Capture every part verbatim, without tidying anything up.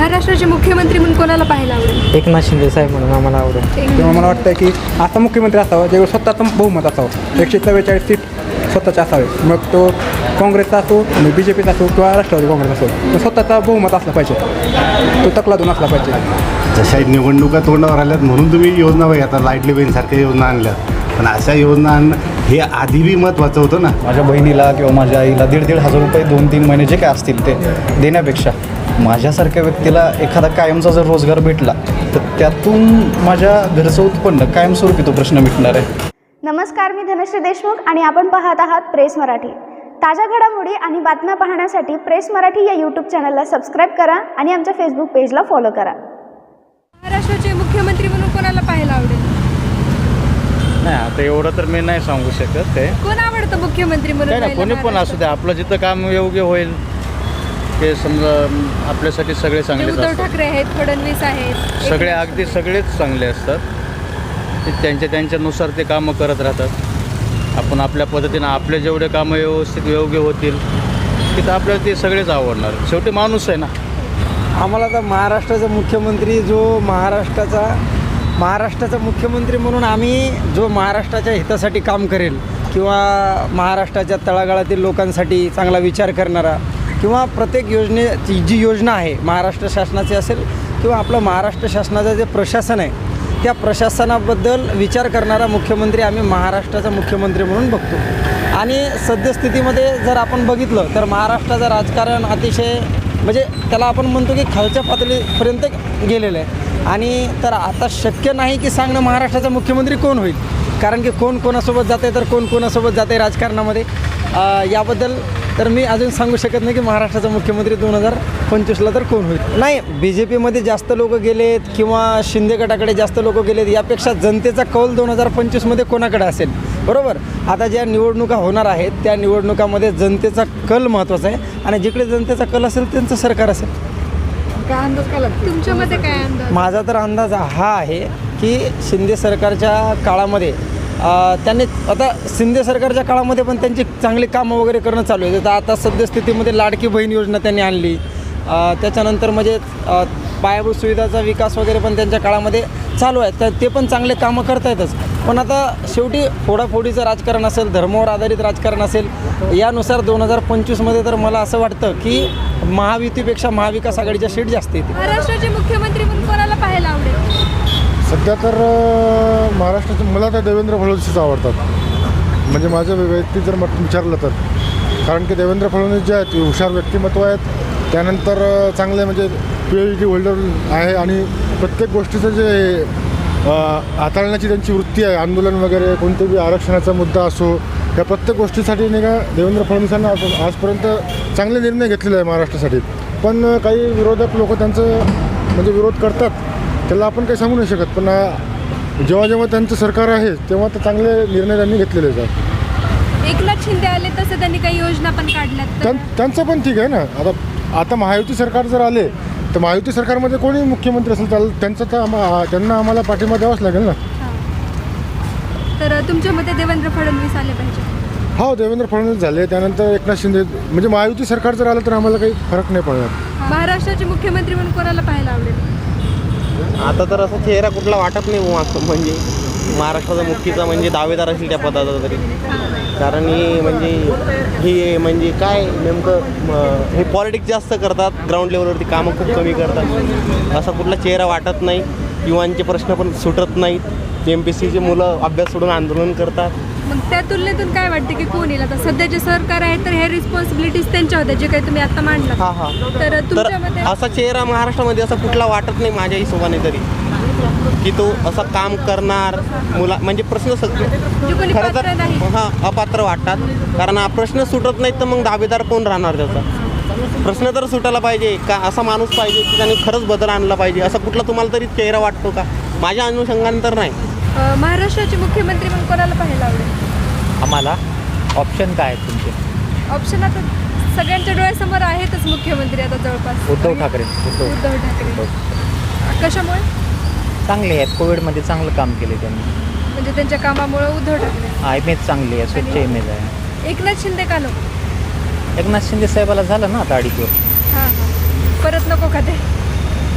महाराष्ट्राचे मुख्यमंत्री म्हणून कोणाला पाहायला आवडेल? एकनाथ शिंदे साहेब म्हणून आम्हाला आवडेल. तेव्हा मला वाटतं की असा मुख्यमंत्री असावा ज्यावेळी स्वतःचं बहुमत असावं, एकशे चव्वेचाळीस सीट स्वतःचे असावे. मग तो काँग्रेसचा असो, बी जे पीचा असो किंवा राष्ट्रवादी काँग्रेस असो, तो स्वतःचा बहुमत असला पाहिजे, तो तकलादून असला पाहिजे. जशा निवडणुका तोंडावर आल्यात म्हणून तुम्ही योजना बघा, आता लाईटली बहीणसारख्या योजना आणल्यात, पण अशा योजना आणणं हे आधी बी महत्त्वाचं होतं ना. माझ्या बहिणीला किंवा माझ्या आईला दीड दीड हजार रुपये दोन तीन महिने जे काय असतील ते देण्यापेक्षा माझ्यासारख्या व्यक्तीला एखादा कायमचा जर रोजगार भेटला तर त्यातून माझ्या घरचं उत्पन्न कायमस्वरूपी तो प्रश्न मिटणार आहे. नमस्कार, मी धनश्री देशमुख आणि आपण पाहत आहात प्रेस मराठी. ताज्या घडामोडी आणि बातम्या पाहण्यासाठी प्रेस मराठी या यूट्यूब चॅनलला सबस्क्राईब करा आणि आमच्या फेसबुक पेजला फॉलो करा. महाराष्ट्राचे मुख्यमंत्री म्हणून कोणाला पाहायला आवडेल? नाही, आता एवढं तर मी नाही सांगू शकत. ते कोण आवडतं मुख्यमंत्री म्हणून? नाही, कोणी पण असू दे, आपलं जिथं काम योग्य होईल ते समजा आपल्यासाठी सगळे चांगले उद्धव असतात. ठाकरे आहेत, फडणवीस आहेत, सगळे अगदी सगळेच चांगले असतात. ते त्यांच्या त्यांच्यानुसार ते कामं करत राहतात. आपण आपल्या पद्धतीनं आपले जेवढे कामं व्यवस्थित योग्य होतील तिथं आपल्याला ते सगळेच आवडणार. शेवटी माणूस आहे ना. आम्हाला तर महाराष्ट्राचा मुख्यमंत्री जो महाराष्ट्राचा महाराष्ट्राचा मुख्यमंत्री म्हणून आम्ही जो महाराष्ट्राच्या हितासाठी काम करेल किंवा महाराष्ट्राच्या तळागाळातील लोकांसाठी चांगला विचार करणारा किंवा प्रत्येक योजनेची जी योजना आहे महाराष्ट्र शासनाची असेल किंवा आपलं महाराष्ट्र शासनाचं जे प्रशासन आहे त्या प्रशासनाबद्दल विचार करणारा मुख्यमंत्री आम्ही महाराष्ट्राचा मुख्यमंत्री म्हणून बघतो. आणि सद्यस्थितीमध्ये जर आपण बघितलं तर महाराष्ट्राचं राजकारण अतिशय म्हणजे त्याला आपण म्हणतो की खालच्या पातळीपर्यंत गेलेलं आहे. आणि तर आता शक्य नाही की सांगणं महाराष्ट्राचा मुख्यमंत्री कोण होईल, कारण की कोण कोणासोबत जाते तर कोण कोणासोबत जाते राजकारणामध्ये. याबद्दल तर मी अजून सांगू शकत नाही की महाराष्ट्राचा मुख्यमंत्री दोन हजार पंचवीसला तर कोण होईल. नाही, बी जे पीमध्ये जास्त लोक गेलेत किंवा शिंदे गटाकडे जास्त लोक गेलेत यापेक्षा जनतेचा कौल दोन हजार पंचवीसमध्ये कोणाकडे असेल, बरोबर. आता ज्या निवडणुका होणार आहेत त्या निवडणुकामध्ये जनतेचा कल महत्त्वाचा आहे आणि जिकडे जनतेचा कल असेल त्यांचं सरकार असेल. काय अंदाज काय लागतो तुमच्या मते? काय अंदाज? माझा तर अंदाज हा आहे की शिंदे सरकारच्या काळामध्ये त्यांनी आता शिंदे सरकारच्या काळामध्ये पण त्यांची चांगली कामं वगैरे करणं चालू आहे. तर आता सद्यस्थितीमध्ये लाडकी बहीण योजना त्यांनी आणली. त्याच्यानंतर म्हणजे पायाभूत सुविधाचा विकास वगैरे पण त्यांच्या काळामध्ये चालू आहे. तर ते पण चांगले कामं करतायतच. पण आता शेवटी फोडाफोडीचं राजकारण असेल, धर्मावर आधारित राजकारण असेल, यानुसार दोन हजार पंचवीसमध्ये तर मला असं वाटतं की महायुतीपेक्षा महाविकास आघाडीच्या सीट जास्त येते. महाराष्ट्राचे मुख्यमंत्री म्हणून कोणाला पाहायला आवडेल? सध्या तर महाराष्ट्राचं मला तर देवेंद्र फडणवीसच आवडतात. म्हणजे माझं वैयक्तिक जर मत विचारलं तर, कारण की देवेंद्र फडणवीस जे आहेत हुशार व्यक्तिमत्व आहेत, त्यानंतर चांगले म्हणजे पी एच डी होल्डर आहे आणि प्रत्येक गोष्टीचं जे हाताळण्याची त्यांची वृत्ती आहे, आंदोलन वगैरे कोणतेही आरक्षणाचा मुद्दा असो या प्रत्येक गोष्टीसाठी नाही का देवेंद्र फडणवीसांना आजपर्यंत चांगले निर्णय घेतलेले आहे महाराष्ट्रासाठी. पण काही विरोधक लोक त्यांचं म्हणजे विरोध करतात, त्याला आपण काही सांगू नाही शकत. पण जेव्हा जेव्हा त्यांचं सरकार आहे तेव्हा तर चांगले निर्णय त्यांनी घेतलेले आहेत. एकनाथ शिंदे आले तसं त्यांनी काही योजना पण काढल्यात. त्यां त्यांचं पण ठीक आहे ना. आता आता महायुती सरकार जर आले तर महायुती सरकारमध्ये कोणी मुख्यमंत्री असेल तर त्यांचं तर आम्हा त्यांना आम्हाला पाठिंबा द्यावाच लागेल ना. तर तुमच्या मते देवेंद्र फडणवीस आले पाहिजे? हो, देवेंद्र फडणवीस झाले, त्यानंतर एकनाथ शिंदे, म्हणजे महायुती सरकार जर आलं तर आम्हाला काही फरक नाही पडणार. महाराष्ट्राचे मुख्यमंत्री म्हणून कोणाला पाहायला आवडेल? आता तर असा चेहरा कुठला वाटत नाही म्हणजे महाराष्ट्राचा मुख्यचा म्हणजे दावेदार असेल त्या पदाचा तरी. कारण ही म्हणजे ही म्हणजे काय नेमकं हे पॉलिटिक्स जास्त करतात, ग्राउंड लेवलवरती कामं खूप कमी करतात. असा कुठला चेहरा वाटत नाही. युवांचे प्रश्न पण सुटत नाहीत. एम पी एस सीचे मुलं अभ्यास सोडून आंदोलन करतात. मग त्या तुलनेतून काय वाटते की कोण येईल? आता सध्याचे सरकार आहे तर हे रिस्पॉन्सिबिलिटीज त्यांच्या होत्या जे काही तुम्ही आता मांडला. हां हां तर तुमच्या मते असा चेहरा महाराष्ट्रामध्ये असा कुठला वाटत नाही माझ्या हिशोबाने तरी की तो असं काम करणार. मुला म्हणजे प्रश्न सगळे खरं तर हां अपात्र वाटतात. कारण हा प्रश्न सुटत नाहीत तर मग दावेदार कोण राहणार त्याचा? प्रश्न तर सुटायला पाहिजे का? असा माणूस पाहिजे की त्याने खरंच बदल आणला पाहिजे. असा कुठला तुम्हाला तरी चेहरा वाटतो का? माझ्या अनुषंगाने तर नाही. महाराष्ट्राचे मुख्यमंत्री म्हणून कोणाला पाहायला आवडेल? आम्हाला ऑप्शन काय आहेत तुमचे? ऑप्शन आता सगळ्यांच्या डोळ्यासमोर आहेतच मुख्यमंत्री आता जवळपास. उद्धव ठाकरे. उद्धव ठाकरे. कशामुळे? चांगले आहेत, कोविडमध्ये चांगलं काम केले त्यांनी. म्हणजे त्यांच्या कामामुळे उद्धव ठाकरे. हा, इमेज चांगली आहे, स्वच्छ इमेज आहे. एकनाथ शिंदे का नको? एकनाथ शिंदे साहेबाला झालं ना आता अडीच वर्ष. हां हां परत नको का ते?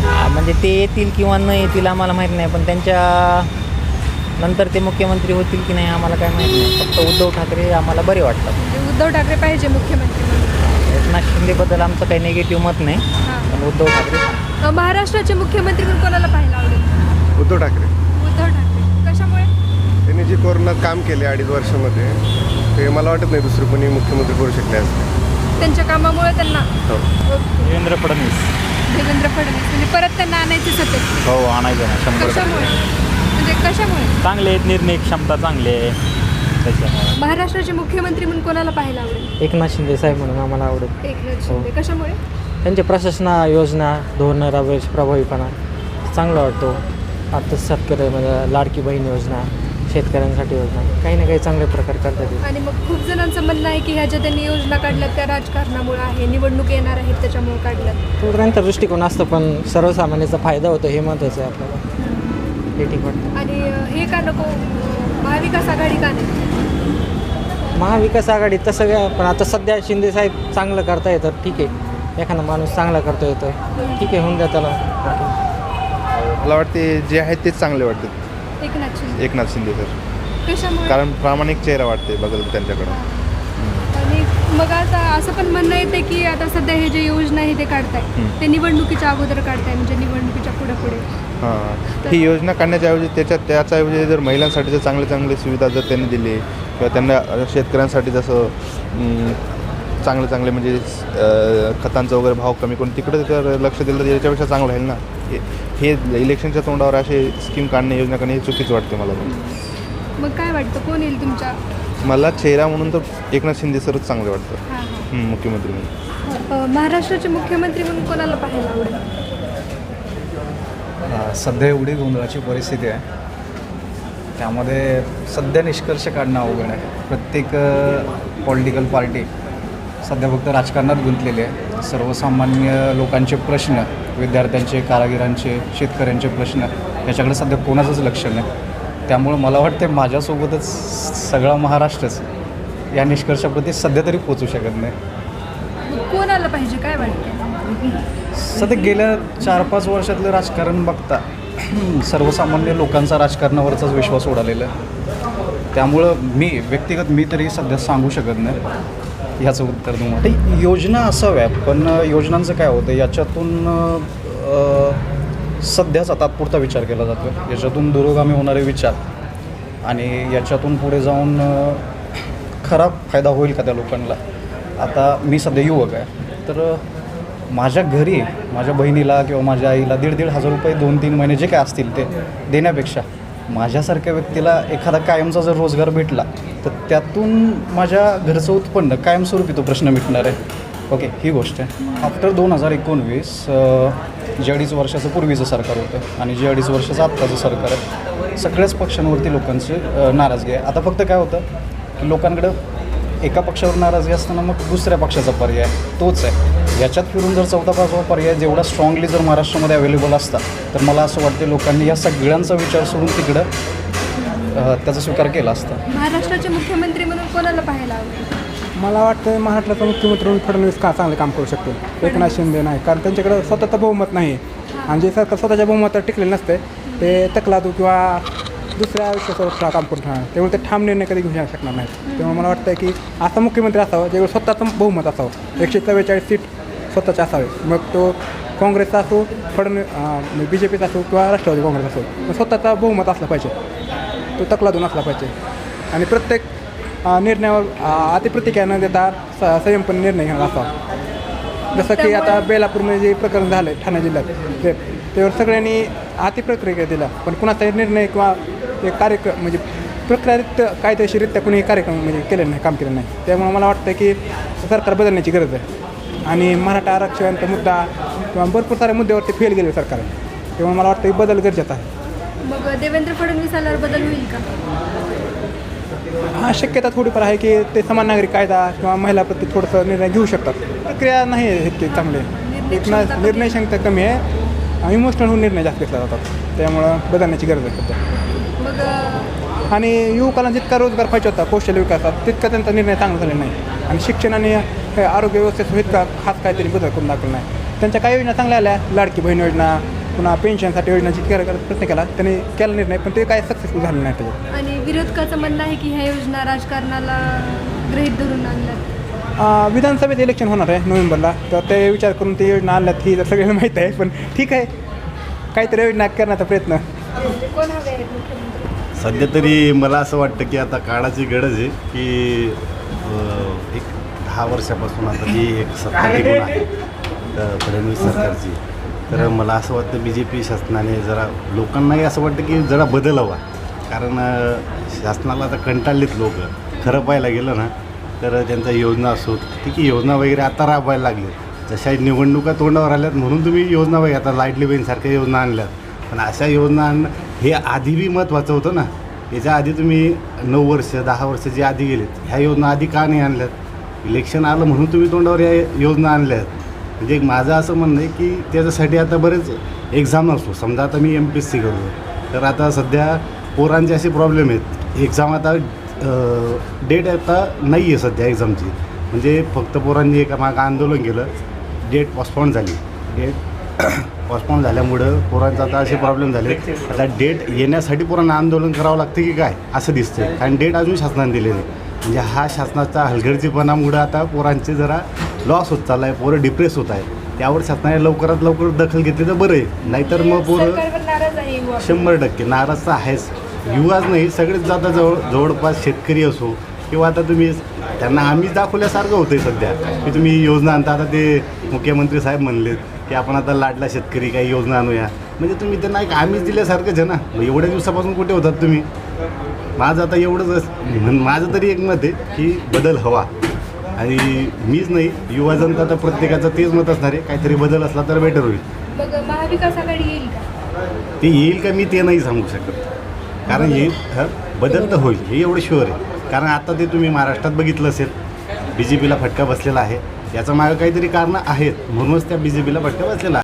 आ, म्हणजे ते येतील किंवा न येतील आम्हाला माहीत नाही, पण त्यांच्या नंतर ते मुख्यमंत्री होतील की नाही आम्हाला काय माहीत नाही. फक्त उद्धव ठाकरे आम्हाला बरे वाटतात. म्हणजे उद्धव ठाकरे पाहिजे मुख्यमंत्री म्हणून. एकनाथ शिंदेबद्दल आमचं काही निगेटिव्ह मत नाही, हां. पण उद्धव ठाकरे अ, महाराष्ट्राचे मुख्यमंत्री म्हणून कोणाला पाहायला आवडेल? उद्धव ठाकरे उद्धव ठाकरे. कशामुळे? त्यांनी जे कोरोनात काम केले अडीच वर्षामध्ये ते मला वाटत नाही दुसरे कोणी मुख्यमंत्री करू शकले असते. त्यांच्या कामामुळे त्यांना ओके. देवेंद्र फडणवीस. देवेंद्र फडणवीस म्हणजे परत त्यांना आणायचे सत्तेत. हो आणायचं ना शंभर कशामुळे? म्हणजे कशामुळे? चांगले आहेत, निर्णय क्षमता चांगली आहे त्याच्यामुळे. महाराष्ट्राचे मुख्यमंत्री म्हणून कोणाला पाहायला आवडेल? एकनाथ शिंदे साहेब म्हणून आम्हाला आवडेल. एकनाथ शिंदे. कशामुळे? त्यांचे प्रशासना योजना धोरणं राबवायची प्रभावीपणा चांगला वाटतो. आता शेतकरी म्हणजे लाडकी बहीण योजना, शेतकऱ्यांसाठी योजना काही ना काही चांगले प्रकार करतात. आणि मग खूप जणांचं म्हणणं आहे की ह्या ज्या त्यांनी योजना काढल्यात त्या राजकारणामुळे आहे, निवडणूक येणार आहेत त्याच्यामुळे काढल्यात. तो त्यांचा दृष्टिकोन असतो, पण सर्वसामान्याचा फायदा होतो हे महत्त्वाचं आहे आपल्याला. हे ठीक वाटतं. आणि अ, हे का नको अ, महाविकास आघाडी का नाही? महाविकास आघाडी तसं काय, पण आता सध्या शिंदे साहेब चांगलं करता येतं, ठीक आहे. एखादा माणूस चांगला करता येतो, ठीक आहे, होऊन द्या त्याला. मला वाटते जे आहेत तेच चांगले वाटतात. एकनाथ शिंदे. एकनाथ शिंदे सर, कशामुळे? कारण प्रामाणिक चेहरा वाटते बघल त्यांच्याकडं. आणि मग आता असं पण म्हणणं येते की आता सध्या हे जे योजना आहे ते काढताय ते निवडणुकीच्या अगोदर काढताय, म्हणजे निवडणुकीच्या पुढे पुढे. हां, ही योजना काढण्याच्याऐवजी त्याच्यात त्याच्याऐवजी जर महिलांसाठी जर चांगले चांगले सुविधा जर त्यांनी दिली किंवा त्यांना शेतकऱ्यांसाठी जसं अं, चांगले चांगले म्हणजे अं, खतांचा वगैरे भाव कमी करून तिकडे जर लक्ष दिलं तर याच्यापेक्षा चांगलं राहील ना. हे हे इलेक्शनच्या तोंडावर असे स्कीम काढणे, योजना काढणे हे चुकीचं वाटते मला. पण मग काय वाटतं कोण येईल तुमच्या? मला चेहरा म्हणून तर एकनाथ शिंदे सरच चांगले वाटतं. हां हां. हं, मुख्यमंत्री म्हणून. अ, महाराष्ट्राचे मुख्यमंत्री म्हणून कोणाला पाहायला आवडेल? सध्या एवढी गोंधळाची परिस्थिती आहे, त्यामध्ये सध्या निष्कर्ष काढणं अवघड आहे. प्रत्येक पॉलिटिकल पार्टी सध्या फक्त राजकारणात गुंतलेली आहे. सर्वसामान्य लोकांचे प्रश्न, विद्यार्थ्यांचे, कारागिरांचे, शेतकऱ्यांचे प्रश्न याच्याकडे सध्या कोणाचंच लक्ष नाही. त्यामुळं मला वाटते माझ्यासोबतच सगळा महाराष्ट्रच या निष्कर्षाप्रती सध्या तरी पोचू शकत नाही. मग कोणाला पाहिजे काय वाटतं? सध्या गेल्या चार पाच वर्षातलं राजकारण बघता सर्वसामान्य लोकांचा राजकारणावरचाच विश्वास उडालेला आहे. त्यामुळं मी व्यक्तिगत मी तरी सध्या सांगू शकत नाही ह्याचं उत्तर तुम्हाला. ते योजना असाव्या, पण योजनांचं काय होतं याच्यातून सध्याचा तात्पुरता विचार केला जातो. याच्यातून दुरोगामी होणारे विचार आणि याच्यातून पुढे जाऊन खराब फायदा होईल का त्या लोकांना. आता मी सध्या युवक आहे, तर माझ्या घरी माझ्या बहिणीला किंवा माझ्या आईला दीड दीड हजार रुपये दोन तीन महिने जे काय असतील ते देण्यापेक्षा माझ्यासारख्या व्यक्तीला एखादा कायमचा जर रोजगार भेटला तर त्यातून माझ्या घरचं उत्पन्न कायमस्वरूपी तो प्रश्न मिटणार आहे. ओके, ही गोष्ट आहे. आफ्टर दोन हजार एकोणवीस जे अडीच वर्षाचं पूर्वीचं सरकार होतं आणि जे अडीच वर्षाचं आत्ताचं सरकार आहे, सगळ्याच पक्षांवरती लोकांची नाराजगी आहे. आता फक्त काय होतं की लोकांकडं एका पक्षावर नाराजगी असताना मग दुसऱ्या पक्षाचा पर्याय तोच आहे. याच्यात फिरून जर चौथा पाचवा पर्याय जेवढा स्ट्रॉंगली जर महाराष्ट्रामध्ये अवेलेबल असता तर मला असं वाटते लोकांनी या सगळ्यांचा विचार सोडून तिकडं त्याचा स्वीकार केला असता. महाराष्ट्राचे मुख्यमंत्री म्हणून कोणाला पाहायला आवडेल? मला वाटतं महाराष्ट्राचा मुख्यमंत्री म्हणून फडणवीस का चांगले काम करू शकतो, एकनाथ शिंदे नाही. कारण त्यांच्याकडे स्वतःचं बहुमत नाही आणि जे सरकार स्वतःच्या बहुमतावर टिकलेलं नसते ते तकलादू किंवा दुसऱ्या विषयावर काम करून राहणार, त्यामुळे ते ठाम निर्णय कधी घेऊ शकणार नाही. तेव्हा मला वाटतं की असा मुख्यमंत्री असावा ज्यावेळी स्वतःचं बहुमत असावं, एकशे चव्वेचाळीस सीट स्वतःचे असावे. मग तो काँग्रेसचा असो, फडणवीस बी जे पीचा असो किंवा राष्ट्रवादी काँग्रेस असो, मग स्वतःचा बहुमत असला पाहिजे, तो तकलादून असला पाहिजे. आणि प्रत्येक निर्णयावर अतिप्रतिक्रिया न देता स संयमपणे निर्णय घेणार असावा. जसं की आता बेलापूरमध्ये जे प्रकरण झालं आहे ठाणे जिल्ह्यात, ते त्यावर सगळ्यांनी अतिप्रतिक्रिया दिला, पण कुणाचाही निर्णय किंवा एक कार्यक्रम म्हणजे प्रक्रियारित्या कायदेशीररित्या कुणीही कार्यक्रम म्हणजे केलेला नाही, काम केलं नाही. त्यामुळे मला वाटतं की सरकार बदलण्याची गरज आहे. आणि मराठा आरक्षणाचा मुद्दा किंवा भरपूर साऱ्या मुद्द्यावरती फेल गेले सरकार, तेव्हा मला वाटतं की बदल गरजेचा आहे. मग देवेंद्र फडणवीस आल्यावर बदल होईल का? हा, शक्यता थोडीफार आहे की ते समान नागरिक कायदा किंवा महिलाप्रती थोडंसं निर्णय घेऊ शकतात. प्रक्रिया नाही आहे इतके चांगले, एक ना निर्णय क्षमता कमी आहे, इमोशनल होऊन निर्णय जास्त घेतला जातात. त्यामुळं बदलण्याची गरज आहे सध्या. मग आणि युवकांना जितका रोजगार पाहिजे होता कौशल्य विकासात तितका त्यांचा निर्णय चांगला झालेला नाही. आणि शिक्षण आणि आरोग्य व्यवस्थेत इतका खास काहीतरी बदल करून दाखवला नाही. त्यांच्या काही योजना चांगल्या आल्या, लाडकी बहीण योजना, पुन्हा पेन्शनसाठी योजनाची केला प्रयत्न केला, त्यांनी केला निर्णय, पण ते काय सक्सेसफुल झालं नाही त्याच्यात. आणि विरोधकाचं म्हणणं आहे की ह्या योजना राजकारणाला गृहीत धरून आणल्यात. अं, विधानसभेत इलेक्शन होणार आहे नोव्हेंबरला, तर ते विचार करून ते योजना आणल्यात ही सगळ्यांना माहीत आहे, पण ठीक आहे, काहीतरी योजना करण्याचा प्रयत्न. कोण हवे आहेत मुख्यमंत्री? सध्या तरी मला असं वाटतं की आता काळाची गरज आहे की अ, एक दहा वर्षापासून आता जी एक सत्ता टिकून आहे तर फडणवीस सरकारची, तर मला असं वाटतं बी जे पी शासनाने जरा लोकांनाही असं वाटतं की जरा बदल हवा. कारण अ, शासनाला आता कंटाळलेत लोक. खरं पाहायला गेलं ना तर त्यांच्या योजना असो ठीक आहे, योजना वगैरे आता राबवायला लागले. जशा निवडणुका तोंडावर आल्यात म्हणून तुम्ही योजना वगैरे आता लाईटली बहीणसारख्या योजना आणल्यात, पण अशा योजना आणणं हे आधी बी महत्त्वाचं होतं ना. याच्या आधी तुम्ही नऊ वर्ष दहा वर्ष जे आधी गेलेत ह्या योजना आधी का नाही आणल्यात? इलेक्शन आलं म्हणून तुम्ही तोंडावर या योजना आणल्यात. म्हणजे एक माझं असं म्हणणं आहे की त्याच्यासाठी आता बरेच एक्झाम असतो. समजा आता मी एम पी एस सी करतो, तर आता सध्या पोरांचे असे प्रॉब्लेम आहेत. एक्झाम आता डेट आता नाही आहे सध्या एक्झामची. म्हणजे फक्त पोरांनी एका मागं आंदोलन केलं, डेट पॉस्टपोन झाली. डेट पॉस्टपोन झाल्यामुळं पोरांचा आता असे प्रॉब्लेम झाले. आता डेट येण्यासाठी पोरांना आंदोलन करावं लागतं की काय असं दिसतंय, कारण डेट अजून शासनाने दिलेली आहे. म्हणजे हा शासनाचा हलगर्जीपणामुळं आता पोरांचे जरा लॉस होत चालला आहे, पोरं डिप्रेस होत आहे. त्यावर शासनाने लवकरात लवकर दखल घेतली तर बरं आहे, नाहीतर मग पोरं सरकारवर नाराज आहे युवा. शंभर टक्के नाराज तर आहेच. युवाच नाही, सगळेच जाता जवळ जवळपास शेतकरी असो किंवा आता तुम्ही त्यांना आम्ही दाखवल्यासारखं होतं आहे सध्या की तुम्ही योजना आणता. आता ते मुख्यमंत्री साहेब म्हणलेत की आपण आता लाडला शेतकरी काही योजना आणूया. म्हणजे तुम्ही त्यांना एक आम्हीच दिल्यासारखंच आहे ना. मग एवढ्या दिवसापासून कुठे होतात तुम्ही? माझं आता एवढंच माझं तरी एक मत आहे की बदल हवा. आणि मीच नाही, युवा जनता तर प्रत्येकाचं तेच मत असणार आहे, काहीतरी बदल असला तर बेटर होईल. मग महाविकास आघाडी येईल का? ते येईल का मी ते नाही सांगू शकत, कारण येईल हं, बदल तर होईल हे एवढं शुअर आहे. कारण आता ते तुम्ही महाराष्ट्रात बघितलं असेल, बी जे पीला फटका बसलेला आहे. याचा मागं काहीतरी कारणं आहेत, म्हणूनच त्या बी जे पीला फटका बसलेला आहे.